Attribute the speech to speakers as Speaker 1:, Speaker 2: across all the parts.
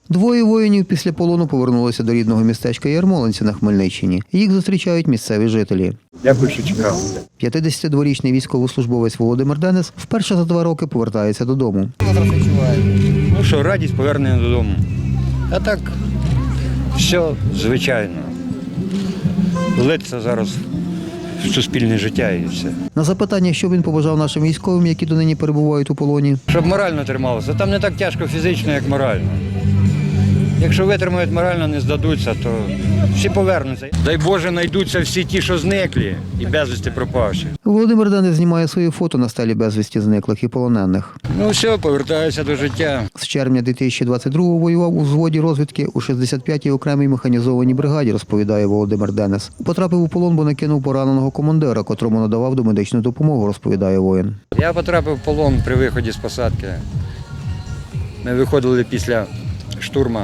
Speaker 1: Двоє воїнів після полону повернулися до рідного містечка Ярмолинці на Хмельниччині. Їх зустрічають місцеві жителі.
Speaker 2: Дякую, що чекав.
Speaker 1: 52-річний військовослужбовець Володимир Денис вперше за 2 роки повертається додому.
Speaker 2: Ну що, радість повернення додому. А так, все звичайно. Влитися зараз в суспільне життя і все.
Speaker 1: На запитання, що він побажав нашим військовим, які донині перебувають у полоні,
Speaker 2: Щоб морально трималося. Там не так тяжко фізично, як морально. Якщо витримають морально, не здадуться, то всі повернуться. Дай Боже, знайдуться всі ті, що зниклі і безвісти пропавші.
Speaker 1: Володимир Денис знімає свої фото на стелі безвісті зниклих і полонених.
Speaker 2: Ну все, повертаюся до життя.
Speaker 1: З червня 2022-го воював у взводі розвідки у 65-й окремій механізованій бригаді, розповідає Володимир Денис. Потрапив у полон, бо накинув пораненого командира, котрому надавав домедичну допомогу, розповідає воїн.
Speaker 2: Я потрапив в полон при виході з посадки. Ми виходили після штурму,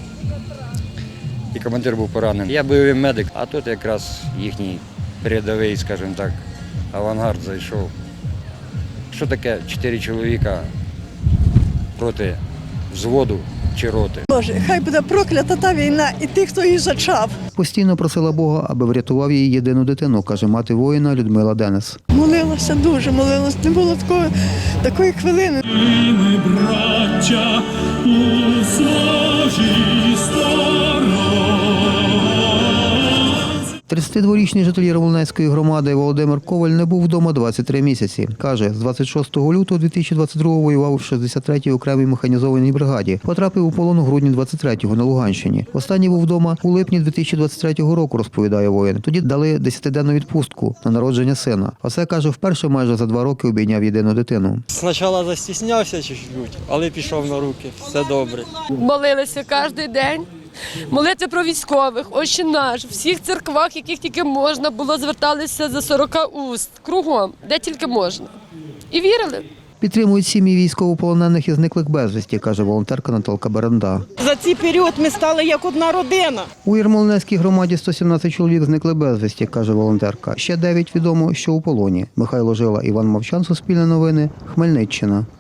Speaker 2: і командир був поранений. Я бойовий медик, а тут якраз їхній передовий, скажімо так, авангард зайшов. Що таке 4 чоловіка проти взводу чи роти?
Speaker 3: Боже, хай буде проклята та війна і тих, хто її зачав.
Speaker 1: Постійно просила Бога, аби врятував її єдину дитину, каже мати воїна Людмила Денис.
Speaker 3: Молилася дуже, молилася. Не було такої хвилини.
Speaker 4: Ми, браття, у своїй стороні.
Speaker 1: 32-річний житель Ярмолинецької громади Володимир Коваль не був вдома 23 місяці. Каже, з 26 лютого 2022-го воював у 63-й окремій механізованій бригаді. Потрапив у полон у грудні 23-го на Луганщині. Останній був вдома у липні 2023 року, розповідає воїн. Тоді дали 10-денну відпустку на народження сина. А це, каже, вперше майже за 2 роки обійняв єдину дитину.
Speaker 5: Спочатку застіснявся чуть-чуть, але пішов на руки. Все добре.
Speaker 6: Молилися кожен день. Молитви про військових, Отче наш, в всіх церквах, яких тільки можна було, зверталися за 40 уст, кругом, де тільки можна. І вірили.
Speaker 1: Підтримують сім'ї військовополонених і зниклих безвісті, каже волонтерка Наталка Беренда.
Speaker 3: За цей період ми стали як одна родина.
Speaker 1: У Ярмолинецькій громаді 117 чоловік зникли безвісті, каже волонтерка. Ще 9 відомо, що у полоні. Михайло Жила, Іван Мовчан, Суспільне новини, Хмельниччина.